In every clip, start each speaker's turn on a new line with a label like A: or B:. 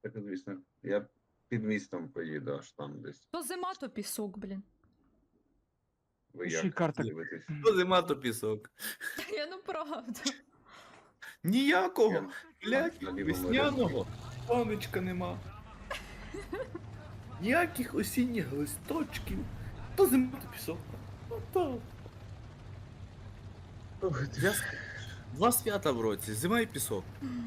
A: Так, звісно. Я під містом поїду, аж там десь.
B: То зима, то пісок, блін.
A: Ви
C: Ще й
A: як
C: карта.
A: дивитесь?
D: То зима, то пісок.
B: Я ну правда.
D: Ніякого, блядь,
A: на лівому
D: весняного сонечка нема. Ніяких осінніх листочків. То зима, то пісок. Ото. Два свята в році, зима і пісок.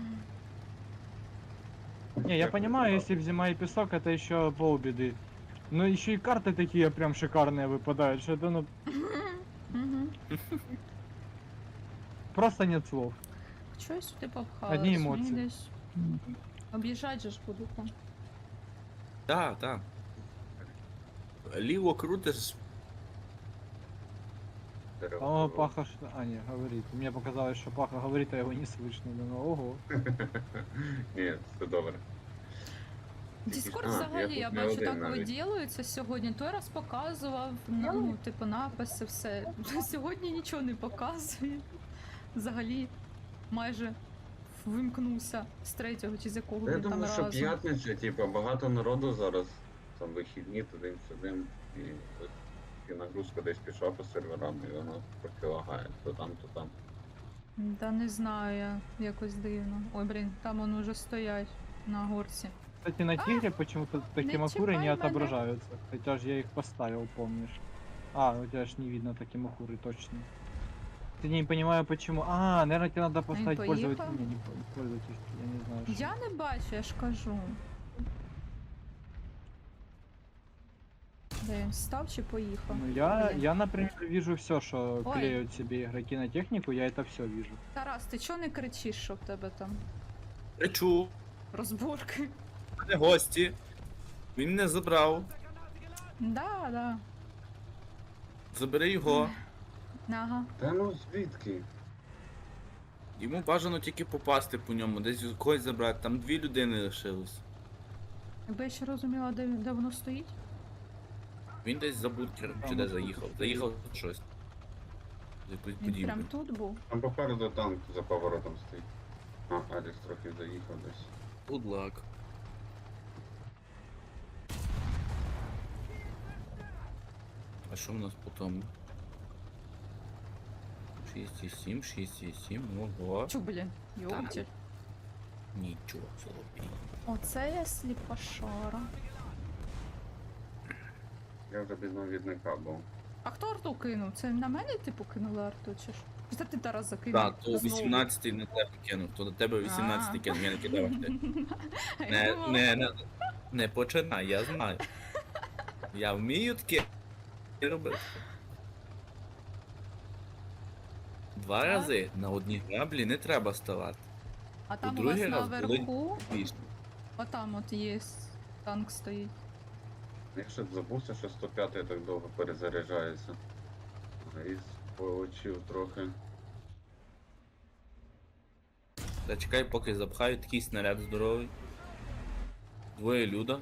C: Не, я понимаю, если б зима и песок, это еще полбеды. Но еще и карты такие прям шикарные выпадают, что это ну
B: Угу.
C: просто нет слов.
B: Чого я сюди попхалась?
C: Одні емоції.
B: Мені десь об'їжджати же ж буду там.
D: Так. Ліво крутиш.
C: О, Паха, а не, говорит. Мне показалось, что Паха говорит, а его не слышно. Думаю, ого.
A: Ні, все добре.
B: Діскорд
A: А,
B: взагалі,
A: я
B: я
A: тут не
B: бачу,
A: один
B: так
A: навіть.
B: виділюється сьогодні. Той раз показував, ну, типу, написи, все. Сьогодні нічого не показує. Взагалі, майже вимкнувся з третього чи з якого
A: Я
B: він там
A: думаю, що
B: разу.
A: п'ятниця, типу, багато народу зараз. Там вихідні, туди-сюди. І ось і нагрузка десь пішла по серверам, і воно трохи лагає. То там, то там.
B: Та не знаю, я якось дивно. Ой, блін, там вони вже стоять на горці.
C: Кстати, на Тигре почему-то такие
B: не
C: макуры не
B: чипай
C: отображаются. Хотя же я их поставил, помнишь. А, у тебя ж не видно такие макуры, точно. Ты не понимаю почему. А, наверное, тебе надо поставить
B: поехал?
C: пользователь. Не, пользователь, я не знаю. что.
B: Я не бачу, я ж кажу. Де він став чи поїхав?
C: Ну,
B: Блін.
C: я, например, вижу все, что
B: Ой.
C: клеют себе игроки на технику, я это все вижу.
B: Тарас, ти чого не кричиш, що в тебе там
D: Речу,
B: розборки?
D: мене гості. Він не забрав.
B: Да.
D: Забери його.
B: Ага.
A: Та ну звідки?
D: Йому бажано тільки попасти по ньому, десь когось забрати. Там 2 людини лишилось.
B: Якби я ще розуміла, де воно стоїть.
D: Він десь за бункером чи де заїхав. Заїхав щось. З якоюсь
B: Він прям
D: будівлю.
B: тут був.
A: Там попереду танк за поворотом стоїть. А, Алекс трохи заїхав десь.
D: Good luck. А що в нас по тому? 6,7, 6,7, ого.
B: Чу, блін, йоптіль.
D: Нічого собі.
B: Оце я сліпошара.
A: Я вже без навідника був.
B: А хто арту кинув? Це на мене типу кинули арту чи ж? Чи це ти Тарас закинув?
D: Так, то
B: Знову?
D: 18-й на тебе кинув, то до тебе 18-й кинув, я не кидав ти.
B: Я думала,
D: Не починай, я знаю. Я вмію таке робити. 2 рази на одній граблі не треба ставати.
B: А там у вас
D: другий раз
B: наверху,
D: Більше.
B: отам от є танк стоїть.
A: Я ще забувся, що 105 так довго перезаряджається. І получив трохи.
D: Та чекай, поки запхають такий снаряд здоровий. 2 люда,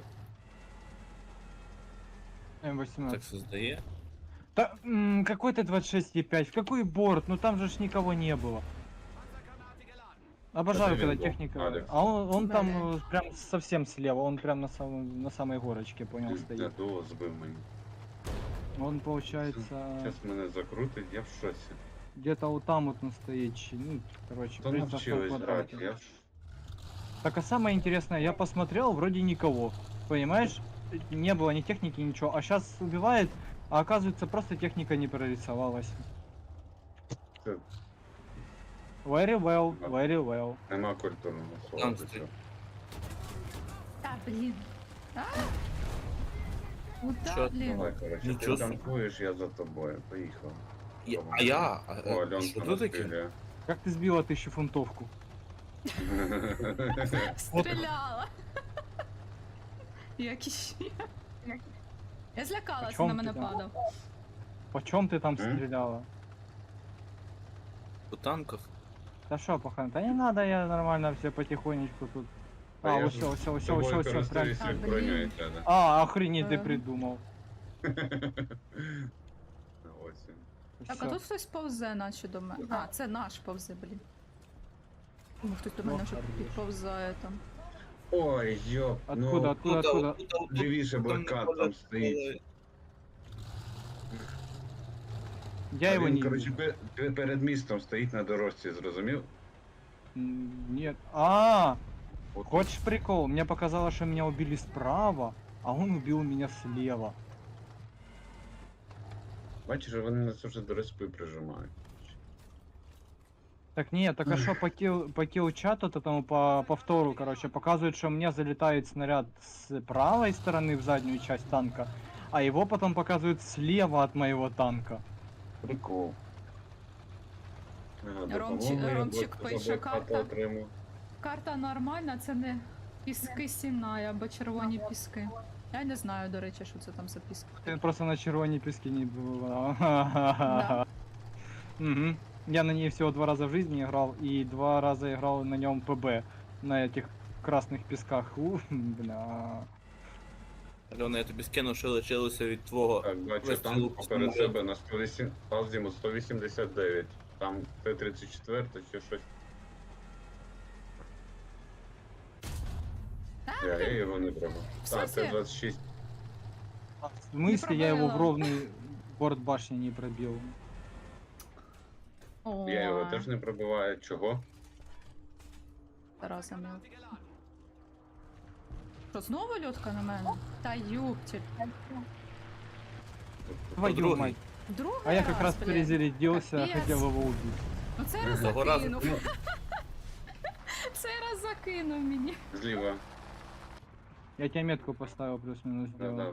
C: М18.
D: так все здає.
C: Да, какой ты 26,5? В какой борт? Ну там же ж никого не было. Обожаю,
A: Это
C: когда
A: Винго,
C: техника.
A: Алекс.
C: А он там
B: Блин.
C: прям совсем слева, он прям на самой горочке, понял,
A: Я
C: стоит.
A: дуо збив мені.
C: Он получается
A: Зараз мене закрутить, я в шоці.
C: где-то вот там вот он стоит. Ну, короче,
A: То
C: примерно в том
A: навчились
C: квадрате.
A: грати, я ж...
C: Так, а самое интересное, я посмотрел, вроде никого. Понимаешь? Не было ни техники, ничего. А сейчас убивает, а оказывается просто техника не прорисовалась.
A: Це
C: Very well, very well.
A: нема культурного слова
D: Там
A: до
D: стоїть.
A: цього.
B: Та, блін. А? Куда,
D: Що?
B: блін?
A: Давай, коротше,
D: Нічого
A: ти
D: собі.
A: танкуєш, я за тобою. Поїхав.
D: А я?
A: О,
D: Що
A: Альонка
D: тут таке?
A: настріляє.
C: Как ты сбила 1000-фунтовку?
B: Стріляла. Як іще. Я злякалася,
C: чому
B: на мене
C: ти там?
B: падав.
C: Почем ты там
A: М?
C: стреляла?
D: По танках.
C: Да шо, пахан, да не надо, я нормально все потихонечку тут.
A: А
C: А,
A: я
C: все,
A: ж
C: все, все,
A: тобою
C: все, все, прям.
A: користуюсь, як
B: А, блін.
A: броньою тебе.
C: А, охренеть, ты
B: Ага.
C: придумал.
A: Ось він.
B: Так, а
C: Всё.
B: тут хтось повзе, наче до мене. А, це наш повзе, блін. Хтось до мене вже
C: хорош.
B: підповзає там.
A: Ой, ёп,
C: Откуда, откуда?
A: лівіше блокад там стоїть.
C: Я его не
A: короче,
C: вижу.
A: перед містом стоїть на дорожці, зрозумів?
C: Нет.
A: От
C: Хочешь прикол? Мне показалось, что меня убили справа, а он убил меня слева.
A: Бачиш, вони нас вже до респи прижимають.
C: Так нет, так а что по килл-чату этому по повтору, короче, показывает, что мне залетает снаряд с правой стороны в заднюю часть танка, а его потом показывают слева от моего танка.
A: Прикол. Ага,
B: Ромчик
A: допомогу я
B: пише,
A: за блокаду
B: карта.
A: отримав.
B: Карта нормальна, це не піски Сінай або червоні піски. Я не знаю, до речі, що це там за піски.
C: Ты просто на червоне пески не было.
B: Да.
C: Мгм. Я на ней всего 2 раза в жизни играл, и 2 раза играл на нем ПБ, на этих красных песках. Бля.
D: Альона, я тобі скину, що лишилося від твого.
A: Так, бачу
D: вистрілу
A: танк
D: по
A: поперед
D: самоліту.
A: себе на 108, Азіму 189. Там Т-34 чи щось. Я його не треба.
B: В
A: Так,
B: сенсі?
A: Т-26.
C: В смысле я его в
B: пробила.
C: ровный борт башни не пробил?
A: Я його
B: Ой,
A: теж не пробиваю. Чого?
B: Тараса мив. Що, знову льотка на мене? Та юптіль.
C: Твою
D: другий.
C: мать.
B: Другий
C: А я как раз
B: блін.
C: перезарядился,
B: Капец.
C: хотел его убить.
B: Ну цей раз
D: Того разу.
B: закинув. Цей раз закинув мені.
A: Зліва.
C: Я тебе метку поставил плюс-минус
A: Да-да.
C: сделал.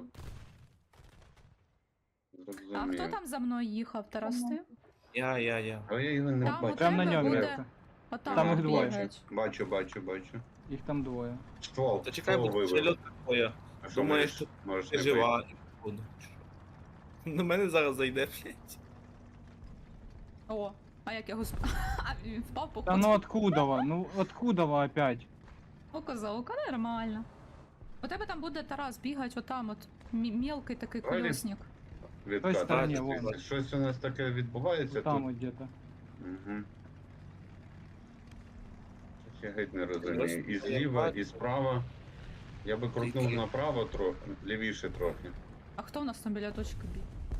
B: А хто там за мною їхав, Тарас ти?
D: Я.
A: А я його не
B: Там
A: бачу.
B: у
C: Прям на
B: тебе
C: нем
B: буде-
C: метка.
B: Отам
C: Там
B: от
C: їх двоє.
B: бігають.
A: Бачу.
C: Их там двое.
A: Ствол.
D: Та чекай,
A: ствол
D: бо ще
A: вибив.
D: льотка твоя.
A: А що,
D: Думаєш,
A: можеш-
D: що
A: можеш
D: ти
A: не
D: жива. Буду. На мене зараз зайде, блядь.
B: О, а як його А, він впав по
C: Да ну откуда вы? Ну откуда вы опять?
B: Козолка, нормально. У тебе там буде Тарас бігать отам от мелкий такий
A: Правильно.
B: колесник.
A: Відкат.
C: стороні,
A: А,
C: вон.
A: щось у нас таке відбувається
C: Там
A: тут.
C: вот где-то.
A: Угу. Я геть не розумію. І зліва, і справа. Я би крутнув
D: Тільки-
A: направо трохи, лівіше трохи.
B: А хто у нас там біля точки бій?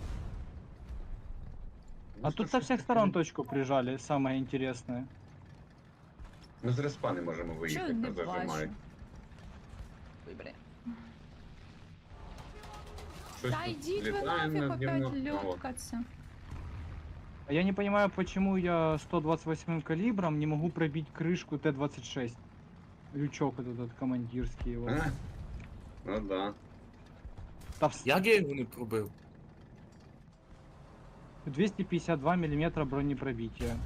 C: А тут со всех сторон точку прижали, самое интересное.
A: Ми з респа не можемо
B: Чого
A: виїхати,
B: не
A: нас зажимають.
B: бачу? Ой, бля.
A: Щось
B: Та
A: тут
B: йдіть ви
A: літає
B: нафіг
A: наді
B: опять
A: мною. О,
B: льоткаться.
C: А я не понимаю, почему я 128 калибром не могу пробить крышку Т-26. Лючок этот командирский его.
A: а? Ну да.
C: Та в
D: Як я його не пробив?
C: 252 миллиметра бронепробития.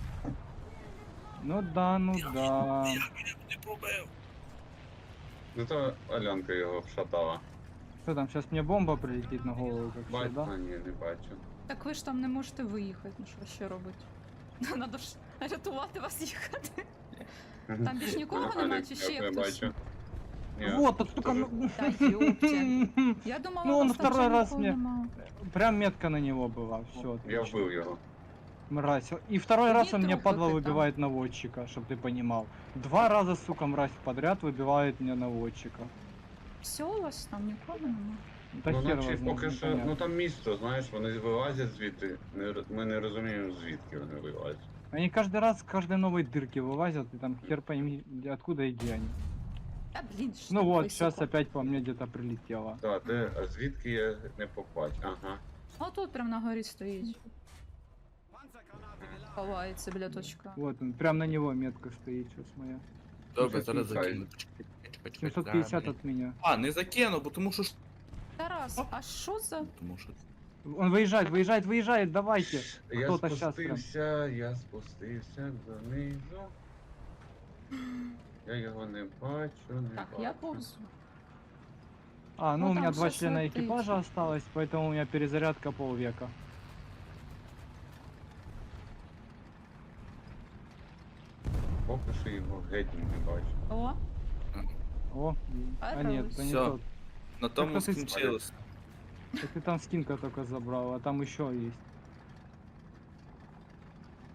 C: Ну да, ну да.
D: Не пробив.
A: Зато Алянка його вшатала.
C: Что там, сейчас мне бомба прилетит на голову, как
A: Бать,
C: всегда?
A: а ні, не бачу.
B: Так ви ж там не можете виїхати, ну що ще робити? Надо ж рятувати вас їхати. Там більш нікого
A: Ага,
B: нема,
A: Алік,
B: чи ще
A: я тебе
B: хтось?
A: бачу. Ні,
C: Вот, тут только...
A: тоже.
B: Та ёпте. Я думала,
C: Ну,
B: у
C: он
B: вас там
C: второй
B: вже
C: раз
B: нікого
C: мне-
B: нема.
C: Прям метка на него была, все.
A: Я вбив його.
C: Мразь. И второй раз он
B: Нет
C: мне,
B: трупа
C: падла,
B: ты там.
C: выбивает наводчика, чтобы ты понимал. 2 раза, сука, мразь подряд выбивает мне наводчика.
B: Все у вас там нікого нема.
C: Да
A: Ну,
C: хер
A: наче
C: его знает,
A: поки що,
C: непонятно.
A: ну там місто, знаєш, вони вилазять звідти. Ми не розуміємо, звідки вони вилазять.
C: Они каждый раз с каждой новой дырки вылазят, и там хер пойми, откуда и где они.
B: Та блін, що
C: Ну
B: так
C: вот,
B: високо.
C: сейчас опять по мне где-то прилетело.
A: Так, а звідки я не побачу? Ага.
B: А тут прям на горі стоїть. Ховається біля точка.
C: Вот он, прям на него метка стоит сейчас моя.
D: Добре, зараз
C: 750.
D: закину. Чекай,
C: 750
D: зараз,
C: от меня.
D: А, не закину, бо тому що...
B: Тарас, а що за...
D: Тому що...
C: Он выезжает, давайте.
A: Я
C: Кто-то щас прям.
A: спустився донизу. Я його не бачу, не
B: Так,
A: бачу.
B: я повзу.
C: А, ну
B: Ну,
C: у меня
B: там
C: 2
B: щас
C: члена
B: летит.
C: экипажа осталось, поэтому у меня перезарядка полвека.
A: Поки що його геть не бачу.
B: О,
C: О, а нет, это не
D: Всё.
C: тот.
D: На тому
C: хто ти
D: скінчилось.
C: Так ты там скинка только забрал, а там еще есть.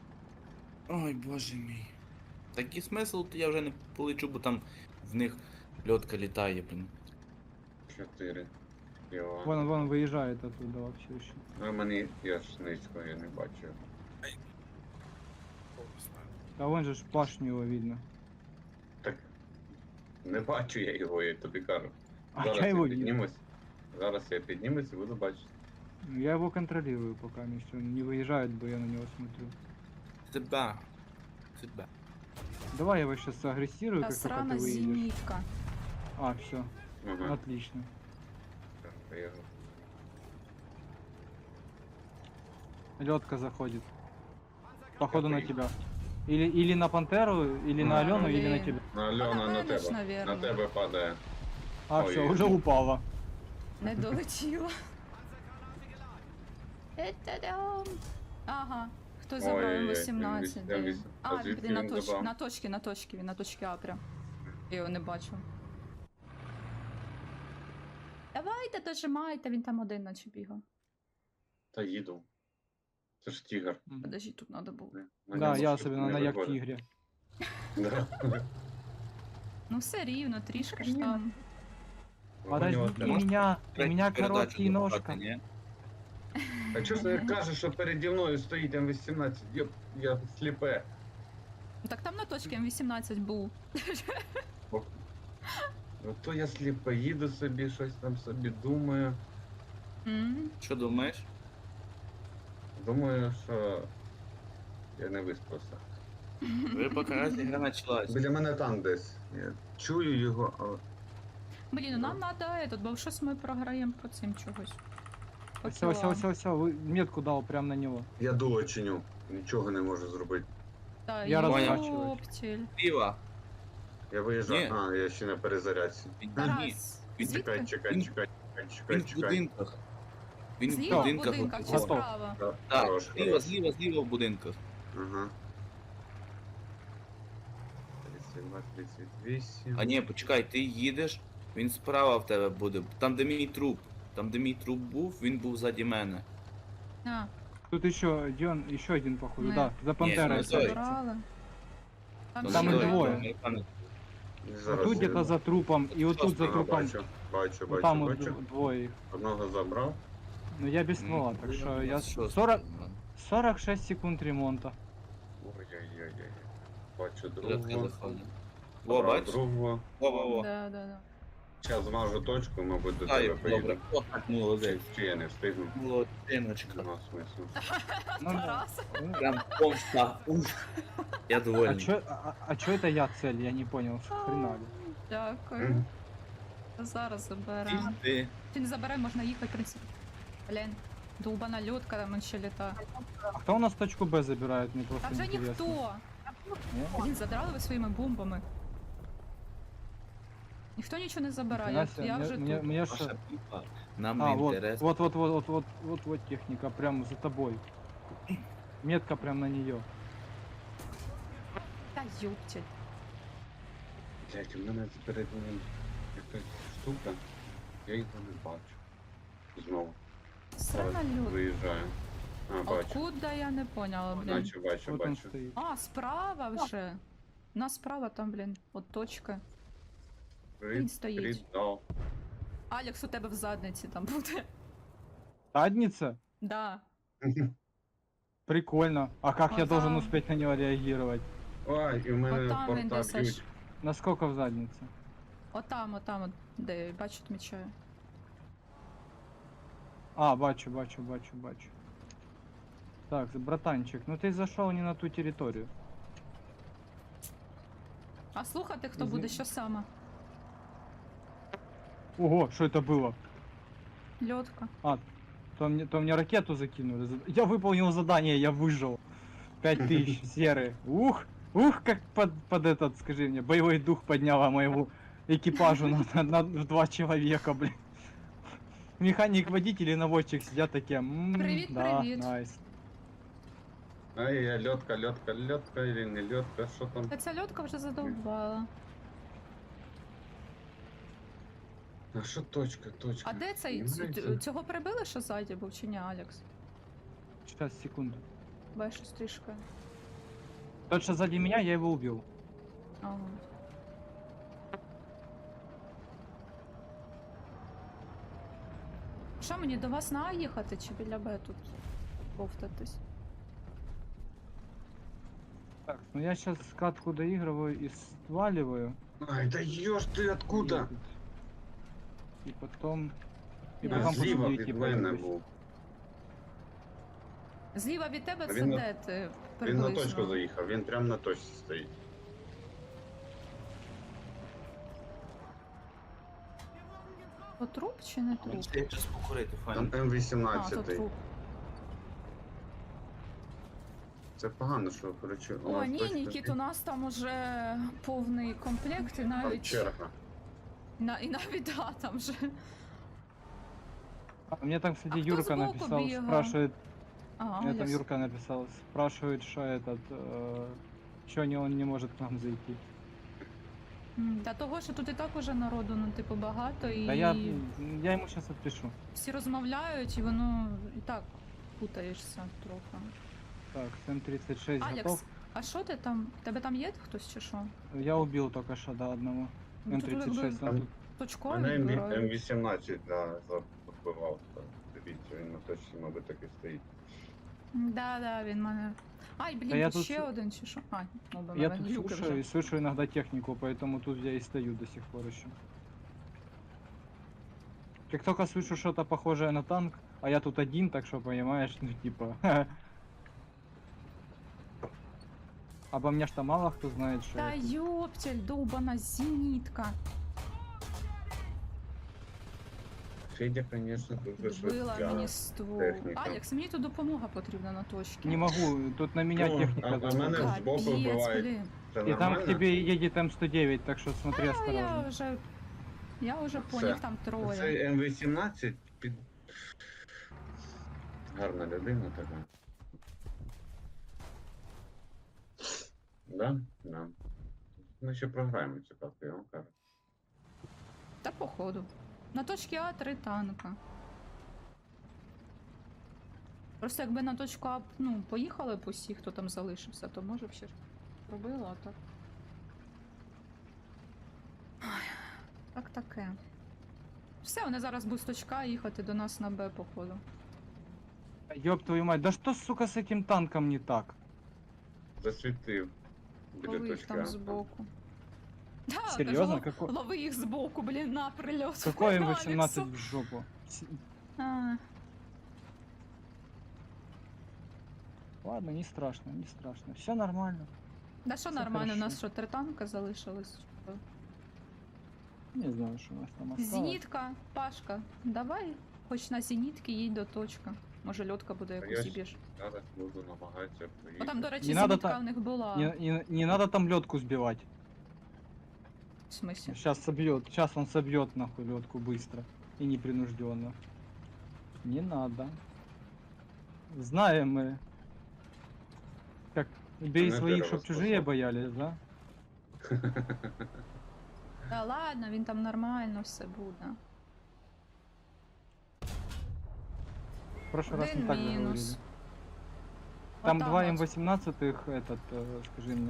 D: Ой, боже мій. Такий смисл, то я вже не полечу, бо там в них Льотка літає, блін.
A: 4. Йо.
C: Вон выезжает оттуда вообще еще.
A: А мені я ж низько, я не бачу.
C: А вон же ж башню его видно.
A: Так. Не бачу я його, я тобі кажу.
C: А
A: Зараз
C: я его вижу.
A: піднімусь. Зараз я піднімусь і буду бачити.
C: Ну, я его контролирую пока, если он не выезжает, бы я на него смотрю.
D: Тебе. Тебе.
C: Давай я его сейчас агрессирую,
B: Та
C: как только ты
B: срана
C: выедешь.
B: зенітка.
C: А, все,
A: Ага.
C: отлично.
A: Так, поїхав.
C: Лётка заходит. Походу на тебя. Или на Пантеру, или на
B: Да,
C: Алену, или на
B: блин.
C: тебя.
A: На Альона на
B: Напевно ж,
A: тебе.
B: навірно.
A: На тебе падає.
C: А,
A: Ой,
C: все,
A: ой,
C: уже
A: ой.
C: упала.
B: Не долетіла. Та-дам. Ага. Хтось забрав
A: Ой-ой-ой,
B: М18.
A: він
B: де він?
A: А
B: А,
A: звідки
B: він на
A: він
B: точці,
A: забрав?
B: він на точці А прям. Я його не бачу. Давайте, дожимайте, він там один наче бігав.
A: Та їду. Це ж тігр.
B: Подожди, тут треба було.
A: На
C: Да,
A: ньому
C: я
A: швидко
C: особенно
A: не
C: на як
A: виходить.
C: тигре.
A: Да.
B: Ну все рівно, трішки ж там.
C: Подождите
A: Понятно.
C: меня, у меня
D: Передачу
C: короткие
D: забрати,
C: ножка.
D: ні?
A: А чого ж ти кажеш, що переді мною стоїть М18? Я сліпе.
B: Ну так там на точці М18 був.
A: То я сліпе, їду собі, щось там собі думаю.
B: М.
D: Що думаєш?
A: Думаю, що я не виспався.
D: Ви поки раз ігра почалась.
A: Біля мене там десь. Я чую його, але
B: Блін, ну нам треба, бо щось ми програємо по цим чогось. По
C: Все, все,
B: кілам.
C: все, метку дал прям на него.
A: я дуло чиню. Нічого не можу зробити.
B: Та
C: Я розворачуюсь.
B: ёптіль.
D: Зліва.
A: Я виїжджаю.
D: Ні.
A: А, я ще на перезарядці.
D: Ні.
B: Тарас,
D: Він
A: Чекай,
B: звідки?
A: чекай,
D: Він-
A: чекай,
D: Він
A: чекай,
D: в
A: чекай.
D: будинках. Він в
B: Зліва в
D: будинках.
B: будинках чи
D: от.
C: Готов.
B: справа?
D: Так,
A: Хорош,
D: зліва,
A: хорош.
D: зліва в будинках.
A: Ага. 32, 38.
D: А ні, почекай, ти їдеш, він справа в тебе буде. Там, де мій труп. Там, де мій труп був, він був ззаді мене.
B: А,
C: Тут еще один походу,
B: Не.
C: да, за Пантерой.
D: не той.
C: стоит.
B: забрали.
D: То
C: Там
D: не
C: і
D: той,
C: двоє.
D: то американець.
A: Зараз
C: Тут
A: я-
C: где-то за трупом, и вот тут за
A: Ага,
C: трупом.
A: бачу, бачу,
C: Вот там
A: бачу,
C: вот
A: бачу.
C: двое их.
A: Одного забрав.
C: Но я без ствола, так что я
D: Що
C: 40,
D: це?
C: 46 секунд ремонта.
A: Ой-ой-ой. Бачу
D: Льотка
A: другого.
D: заходить. Во,
A: Забрав
D: бач?
A: другого.
D: Во.
B: Да, да, да.
A: Зараз змажу точку, мабуть, до
D: Ай,
A: тебе поїду.
D: добре. О, так, молодець.
A: Чи я не встигну?
D: Молодчиночка.
A: Нема смислу.
C: Ну да.
B: Тарас.
D: Прям помста. Уф. Я
C: А
D: довольний.
C: чё это я цель? Я не понял, что хрена ли.
B: Дякую.
A: Мгм.
B: Зараз заберемо.
D: Ти.
B: Чи не заберемо, можна їхати, в принципі. Блін, довбана льотка, там ще літа.
C: А кто у нас точку Б забирает? Мне
B: Та
C: просто
B: вже
C: интересно.
B: ніхто.
C: Не?
B: Блін, задрали ви своїми бомбами. Ніхто нічого не забирає,
C: Настя,
B: я вже
C: мне,
B: тут.
C: мне
D: Ваша
C: ж...
D: піпа. Нам
C: А,
D: не
C: вот,
D: інтересно.
C: вот техника, прям за тобой. Метка прям на нее.
B: Та юптіль.
A: Блять, у мене перед ним якась штука. Я його не бачу. Знову.
B: Срана
A: Зараз
B: льот.
A: виїжджаю. А, бачу.
B: Откуда я не поняла, блін.
A: Бачу, бачу,
C: Вот он
A: бачу.
C: стоит.
B: А, справа вже. У нас справа там, блін, от точка. Він стоїть.
A: Придал.
B: Алекс у тебе в задниці там буде.
C: Задница?
B: Да.
C: Прикольно. А как я
B: Вот
C: должен
B: там.
C: успеть на него реагировать?
A: Ой, і в мене
B: От там він
A: порта
B: десь
A: б'ють.
B: аж.
C: Насколько в заднице?
B: Отам, от, де бачу, відмічаю.
C: А, бачу. Так, братанчик, ну ты зашел не на ту территорию.
B: А слухати, хто
C: Извини.
B: буде, що саме?
C: Ого, что это было?
B: Льотка.
C: То мне ракету закинули. Я выполнил задание, я выжил. 5000 серы. Ух, как под этот, скажи мне, боевой дух подняла моему экипажу в 2 человека, блин. Механик, водитель и наводчик сидят такие.
B: Привет,
C: Да,
B: привет.
C: найс.
A: Ай, я льотка, или не льотка, що там?
B: Та ця льотка вже задовбала.
A: А що точка?
B: А де цей?
A: Знаєте?
B: Цього прибили, що ззаді був, чи ні, Алекс?
C: Сейчас, секунду.
B: Бачиш, щось трішки.
C: Тот, что сзади меня, я его убил.
B: Ага. Що мені до вас на А їхати чи біля Б тут ковтатись?
C: Так, ну я сейчас катку доигрываю и сваливаю.
A: Ай, да ёж ты откуда?
C: И потом... И
B: Я
C: потом
A: Зліва
C: после
A: від
C: идти
A: мене
C: пройдусь.
A: був.
B: Зліва від тебе
A: А
B: це
A: він на-
B: де ти
A: Він на точку
B: приблизно?
A: заїхав, він прямо на точці стоїть.
B: То труп чи не труп?
D: Я час покурити,
A: Там
D: файно.
B: А, то
A: М18.
B: труп.
A: Це погано, що коротше. у
B: О,
A: нас
B: ні,
A: точка
B: Нікіт, у
A: стоїть.
B: нас там уже повний комплект і
A: Там
B: навіть...
A: черга.
B: І навіть, да, там же...
C: А, мне там, кстати,
B: А кто
C: Юрка
B: сбоку
C: написал,
B: бегал?
C: спрашивает,
B: Ага,
C: мне там
B: яс-
C: Юрка написал, спрашивает, что этот, что он не может к нам зайти.
B: Та того, що тут і так уже народу, ну, типу, багато, і
C: Да я ему сейчас отпишу.
B: всі розмовляють, і воно і так путаєшся трохи.
C: Так, М36
B: Алекс,
C: готов.
B: а що ти там? Тебе там є хтось чи що?
C: Я убил только что, да, одного.
B: Ну, тут
C: М36,
B: якби
C: он тут.
B: точково
A: Мене
B: відбирають.
A: М18 запакував. Дивіться, він на точці, мабуть, так і стоїть.
B: Да, він мене. Ай,
C: Та
B: блін,
C: я
B: тут
C: тут
B: ще
C: слу-
B: один чи що? Ай, ну, бо
C: Я
B: мене
C: тут
B: люки
C: слушаю
B: вже.
C: и слышу иногда технику, поэтому тут я и стою до сих пор еще. Как только слышу что-то похожее на танк, а я тут один, так что понимаешь, ну типа. Обо мне что мало кто знает, что
B: Та
C: я тут.
B: ёптель, довбана зенітка.
A: Федя, звісно, дуже
B: Вбила
A: швидка.
B: мені ствол.
A: техніка.
B: Алекс, мені тут допомога потрібна на точці.
C: Не могу, тут на меня
A: Ну,
C: техника.
A: а
C: давит.
A: мене збоку
B: Капець,
A: вбивають.
B: блін.
A: Це
C: И там
A: нормально?
C: к тебе едет М109, так что смотри
B: Я
C: осторожно.
B: вже по
A: Все.
B: них там троє.
A: Це М18 під... Гарна людина така. Да? Да. Ми ще програємо цю карту, я вам кажу.
B: Та походу. На точці А 3 танка. Просто якби на точку А, ну, поїхали б усі, хто там залишився, то може б ще ж робила, а так. Ой, так таке. Все, вони зараз будуть з точка А їхати до нас на Б, походу.
C: Ёб твою мать, да что, сука, с этим танком не так?
A: Засвітив. Біля
B: Лови їх
A: точки.
B: там
A: А.
B: збоку. Да,
C: Серьезно?
B: кажу,
C: Какой,
B: лови їх збоку, блін, на прильот.
C: какой
B: Алексу.
C: М18 в жопу?
B: А,
C: Ладно, не страшно, не страшно. Все нормально.
B: да що
C: Все
B: нормально, у
C: хорошо.
B: нас що, 3 танка залишилось?
C: Не знаю, что у нас там осталось.
B: Зенітка, Пашка, давай хоч на зенітки їдь до точки. Може льотка буде
A: я
B: якусь
A: ж-
B: зіб'єш.
A: Зараз буду намагатися
B: О,
A: проїхати.
B: там, до речі,
C: Не надо
B: зенітка
C: та-
B: в них була.
C: Не надо там ледку сбивать.
B: В смысле?
C: Сейчас собьет. Сейчас он собьет нахуй ледку быстро и непринужденно. Не надо. Знаем мы. Как бей
A: На
C: своих,
A: первого
C: чтоб чужие
A: способ.
C: боялись, да?
B: Та ладно, він там нормально все буде.
C: В прошлый раз не
B: Один
C: так же говорили.
B: мінус.
C: Там
B: Отам
C: два
B: от.
C: М18 этот, скажи мне.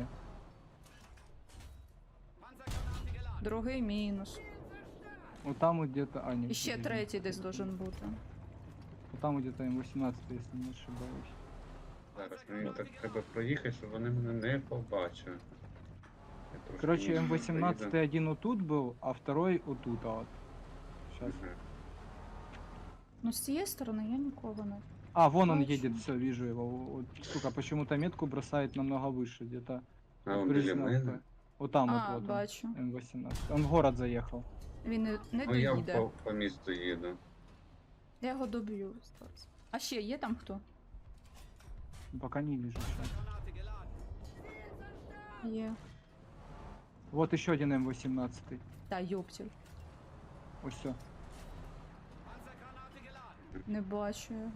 B: Другий мінус.
C: Вот там вот где-то... А, нет,
B: І ще
C: подожди.
B: третій десь должен бути.
C: Вот там вот где-то М18, если не ошибаюсь.
A: Зараз мені так треба проїхати, щоб вони мене не побачили. Я трошки
C: Короче,
A: ніжно
C: М18
A: поїду.
C: один вот тут был, а второй вот тут, а вот. Сейчас.
A: Мгм.
B: Ну, з цієї сторони я нікого не.
C: А, вон он
B: Бачу.
C: едет, все, вижу его. Вот, сука, почему-то метку бросает намного выше, где-то.
A: А, он
C: приблизно
A: біля мене?
C: Вот там
B: А,
C: вот, вот
B: бачу.
C: он, М18. Он в город заехал.
B: Він не
A: Ну я
B: доїде.
A: по місту їду.
B: Я його доб'ю зараз. А ще є там хто?
C: Пока не вижу сейчас.
B: Є.
C: Вот еще один М18.
B: Та йоптіль.
C: Вот все.
B: Не бачу його.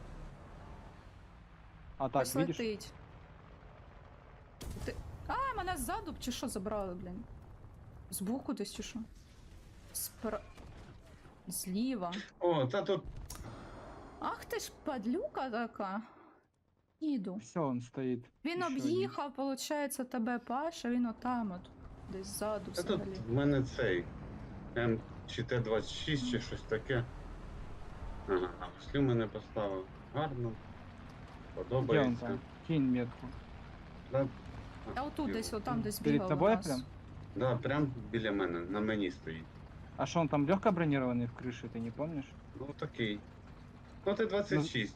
C: А так,
B: Ось
C: видишь?
B: летить. Ти... А, мене ззаду чи що забрали, блін? Збоку десь чи що? Зліва.
A: О, та тут
B: Ах ти ж падлюка така. Їду.
C: Все, он стоит.
B: Він
C: Ще один.
B: об'їхав, виходить, тебе Паша, він отам от. Десь ззаду
A: Та тут
B: взагалі.
A: в мене цей М чи Т-26 чи щось таке. Ага, на гуслю мене поставив. Гарно.
C: Где он
A: Подобається.
C: там? Кинь метку.
A: Да,
B: Я отут десь, отам десь
C: Перед
B: бігав у
C: тобой
B: нас.
C: прям?
A: да, прям біля мене, на мені стоїть.
C: А что он там легко бронированный в крыше, ты не помнишь?
A: Ну такий. Ну ти 26.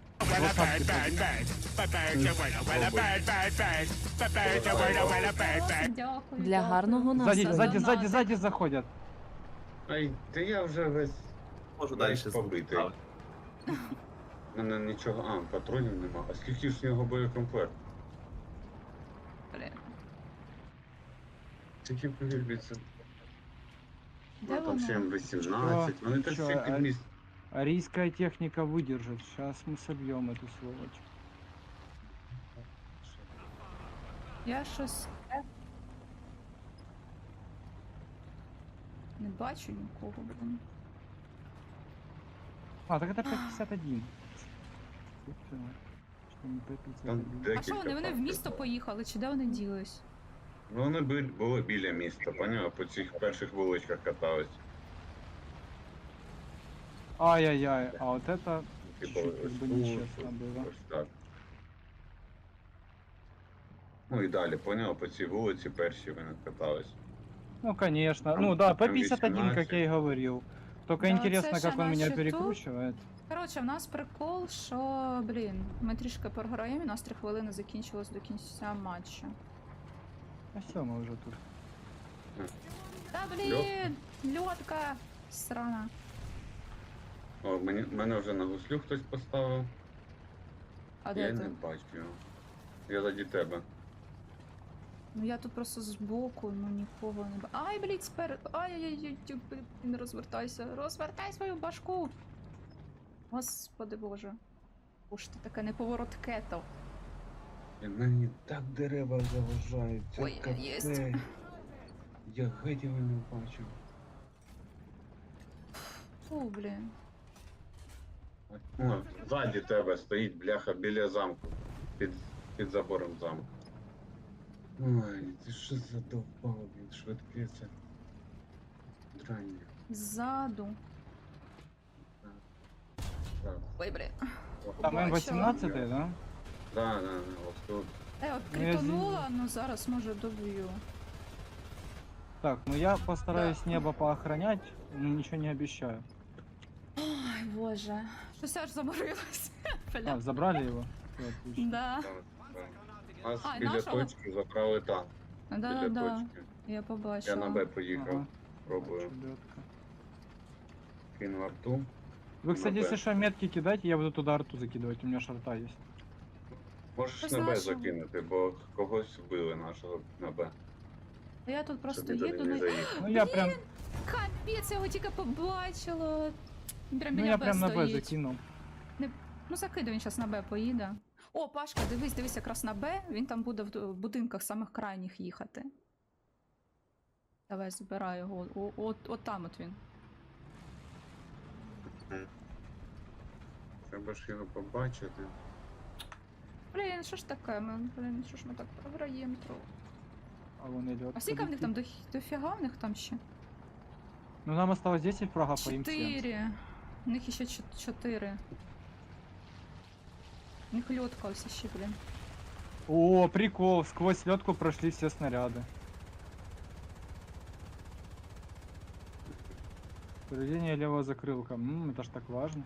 B: Дякую.
E: Для гарного
C: Сзади,
E: настрою.
C: сзади, сзади, сзади заходят.
A: Ай, та я вже весь.
D: Можу
A: Весь
D: далі
A: побитий. У мене нічого. А, патронів нема. А скільки ж в нього боєкомплект?
B: Блін.
A: Тільки повірбіться.
B: Де
A: Ну, там ще
B: воно?
A: М18. Вони так
C: Чё,
A: стільки
C: а-
A: місць.
C: Арийская техника выдержит. Сейчас мы собьем эту сволочь.
B: Я щось. Не бачу нікого, блін.
C: А, так это П-51. Собственно, что не П-51.
A: Там
B: А
A: декілька.
B: що вони? Вони в
A: фактів.
B: місто поїхали, чи де вони ділись?
A: Ну вони були біля міста, поняв? По цих перших вуличках катались.
C: Ай-яй-яй, а вот это
A: Типу,
C: чуть-чуть
A: ось
C: как бы
A: тут,
C: нечестно было.
A: ось так. Ну і далі, поняв, по цій вулиці перші вони катались.
C: Ну, конечно.
A: Там
C: Ну да,
A: прям
C: П-51, как
A: 18.
C: я и говорил. Только
B: Да,
C: интересно,
B: це
C: как
B: ще
C: он меня
B: наші
C: перекручивает.
B: Коротше, в нас прикол, що, блін, ми трішки програємо, і у нас 3 хвилини закінчилось до кінця матчу.
C: А все, мы уже тут.
B: Та блін, льотка срана.
A: О, мене вже на гуслю хтось поставив.
B: А
A: Я
B: де
A: не
B: ти?
A: бачу його. Я заді тебе.
B: Ну я тут просто збоку, ну нікого не бачу. Ай, блін, Ай-яй-яй, не розвертайся. Розвертай свою башку. Господи боже. Уж ти таке неповоротке то.
A: І мені так дерева заважають. Це
B: Ой, єсть.
A: капець. Я геть його не бачу.
B: Фу, блін.
A: О, ззаді тебе стоїть бляха біля замку. Під забором замку. Ой, ти що задовбав, він швидке це. Драння.
B: Ззаду.
A: Так.
B: Ой, блін.
C: Там
B: Побачила.
C: М18, да?
A: Да, ось тут.
B: От
C: Ну, я
B: критонула, ну зараз може доб'ю.
C: Так, ну я постараюсь небо поохранять, но ничего не обещаю.
B: Ой, боже. Щось аж заморилось.
C: А,
B: Бля.
C: забрали его? Всё, отлично.
B: Да.
A: Так, так. Нас
B: А,
A: біля
B: нашого?
A: точки забрали танк.
B: Да,
A: Біля
B: да.
A: точки.
B: Я
A: Я
B: побачила.
A: на Б поїхав.
C: Ага.
A: Пробую.
C: Чудётко.
A: Кину арту.
C: Вы, кстати,
A: На Б.
C: если что, метки кидайте, я буду туда арту закидывать, у меня шарта есть.
A: Можеш
B: Хтось
A: на Б
B: нашого?
A: закинути, бо когось вбили нашого на Б.
B: Я тут просто
A: Щоб ніде
B: їду.
A: не
B: Ну,
A: заїхав.
C: Ну я прям,
B: капець, я його тільки побачила. Прям
C: ну
B: біля
C: я
B: Б
C: прям на Б
B: стоїть.
C: закинул.
B: Ну закидуй, він зараз на Б поїде. О, Пашка, дивись якраз на Б, він там буде в будинках самих крайніх їхати. Давай, забирай його. От там от він.
A: Треба ж його побачити.
B: Блін, що ж таке? Блін, що ж ми так програємо трохи.
C: А вон идет.
B: А скільки в них там дофіга в них там ще?
C: Ну нам осталось 10 фрагов, по им 7.
B: 4. У них ще 4. У них льотка ось ще, блін.
C: О, прикол, сквозь ледку прошли все снаряды. Повреждение левого закрылка. Это ж так важно.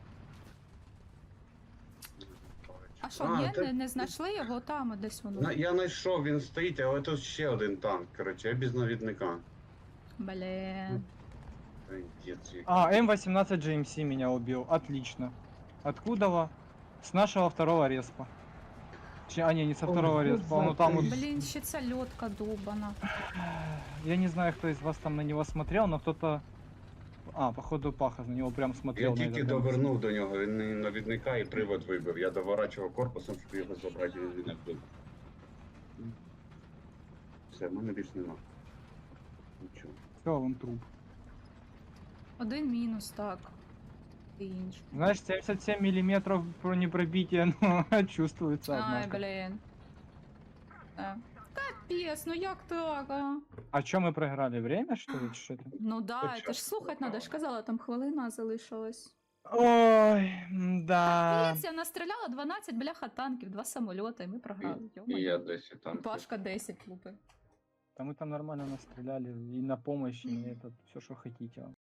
B: А що, ні,
A: та-
B: не знайшли його там, от десь воно.
A: Я знайшов, він стоїть, але тут ще один танк. Коротше, я без навідника.
B: Блін.
A: Ай, дід свій.
C: А, М18 GMC меня убил. Отлично. Откуда? С нашего второго респа. А, не со
A: Ой,
C: второго
A: ну
C: респа. Ну там вот...
B: Блін, ще ця льотка довбана.
C: Я не знаю, кто из вас там на него смотрел, но кто-то... А, походу Паха на него прям смотрел.
A: Я
C: на
A: тільки
C: этот
A: довернув до нього, він мені навідника і привод вибив. Я доворачував корпусом, щоб його забрати, він не вбив. Все, в мене більш нема. Нічого.
C: Все, вон труп.
B: Один мінус, так. І інший.
C: Знаешь, 77 миллиметров бронепробития, но чувствуется,
B: Ай,
C: однако.
B: блін. Капець, ну як так, а?
C: А что мы проиграли? Время, что ли? Что это?
B: Ну да,
A: Початку
B: це ж слухати треба, я ж казала, там хвилина залишилась.
C: Ой, да.
B: Капець, я настріляла 12 бляха танків, 2 самольоти, і ми програли.
A: І
B: Йо-моє.
A: я 10
B: І
A: танків.
B: Пашка 10 лупи.
C: Да мы там нормально настреляли и на помощь, и это все, что хотите.